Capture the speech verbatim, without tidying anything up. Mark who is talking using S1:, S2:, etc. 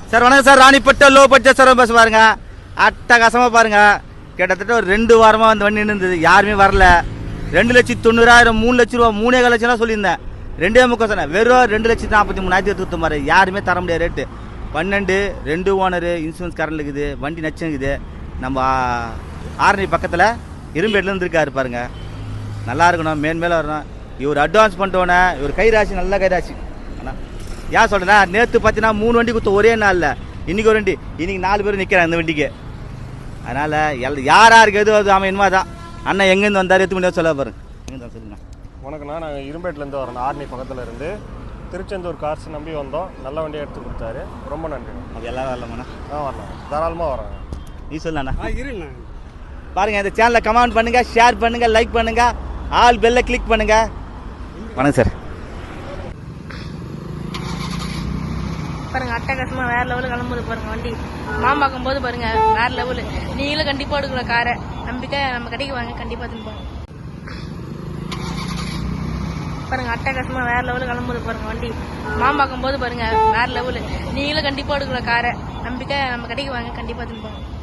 S1: Sir வணக்கம் sir. ராணிப்பட்ட low budget sir bus பாருங்க, அட்டகாசமாக பாருங்க. கிட்டத்தட்ட ஒரு ரெண்டு வாரமாக வந்து வண்டி இருந்தது, யாருமே வரல. ரெண்டு லட்சத்தி தொண்ணூறாயிரம் மூணு லட்ச ரூபா மூணே கால் லட்சம் சொல்லியிருந்தேன். ரெண்டே முக்கம் சொன்னேன். வெறும் ரெண்டு லட்சத்தி நாற்பத்தி மூணாயிரத்தி எடுத்து மாதிரி யாருமே தர முடியாது ரேட்டு. பன்னெண்டு ரெண்டு ஓனரு, இன்சூரன்ஸ் கரண்ட் இருக்குது, வண்டி நச்சுங்குது. நம்ம ஆரணி பக்கத்தில் இரும்பேட்டில் இருந்துருக்காரு பாருங்க. நல்லா இருக்கணும், மேன் மேலே வரணும். இவர் அட்வான்ஸ் பண்ணிட்டோன்னே இவர் கைராசி, நல்ல கைராசி. ஆனால் ஏன் சொல்கிறேன்னா, நேற்று பார்த்தீங்கன்னா மூணு வண்டி கொடுத்த ஒரே நாளில், இன்றைக்கி ஒரு வண்டி, இன்றைக்கி நாலு பேர் நிற்கிறாங்க இந்த வண்டிக்கு. அதனால் எல் யார் யாருக்கு எது அது அவன் என்னமா தான். அண்ணன் எங்கேருந்து வந்தார், எத்து மணி சொல்ல பாருங்க. எங்கே தான் சொல்லுங்க.
S2: வணக்கண்ணா, நாங்கள் இரும்பேட்டிலேருந்து வரோம், ஆர்னி பக்கத்தில் இருந்து. திருச்செந்தூர் கார்ஸ் நம்பி வந்தோம், நல்ல வண்டியை எடுத்து கொடுத்தாரு, ரொம்ப நன்றி.
S1: அது எல்லாரும் வரலாமாண்ணா?
S2: ஆ வரலாம், தாராளமாக வராங்க.
S1: நீ சொல்லண்ணா.
S3: இருண்ணா
S1: பாருங்கள், இந்த சேனலை கமெண்ட் பண்ணுங்கள், ஷேர் பண்ணுங்கள், லைக் பண்ணுங்கள், ஆல் பெல்லை கிளிக் பண்ணுங்கள். வணக்கம் சார்.
S4: பாருங்க, அட்டகாசமா வேற லெவலில் கிளம்புது பாருங்க வண்டி. மாம்பாக்கும் போது பாருங்க வேற லெவலு. நீங்களும் கண்டிப்பா எடுக்கிற காரை நம்பிக்கை நம்ம கடைக்கு வாங்க, கண்டிப்பா தின்பாங்க. பாருங்க, அட்டகாசமா வேற லெவலில் கிளம்புது பாருங்க வண்டி. மாம்பாக்கும் போது பாருங்க வேற லெவலு. நீங்களும் கண்டிப்பா எடுக்கிற காரை நம்பிக்கை நம்ம கடைக்கு வாங்க, கண்டிப்பா தின்பாங்க.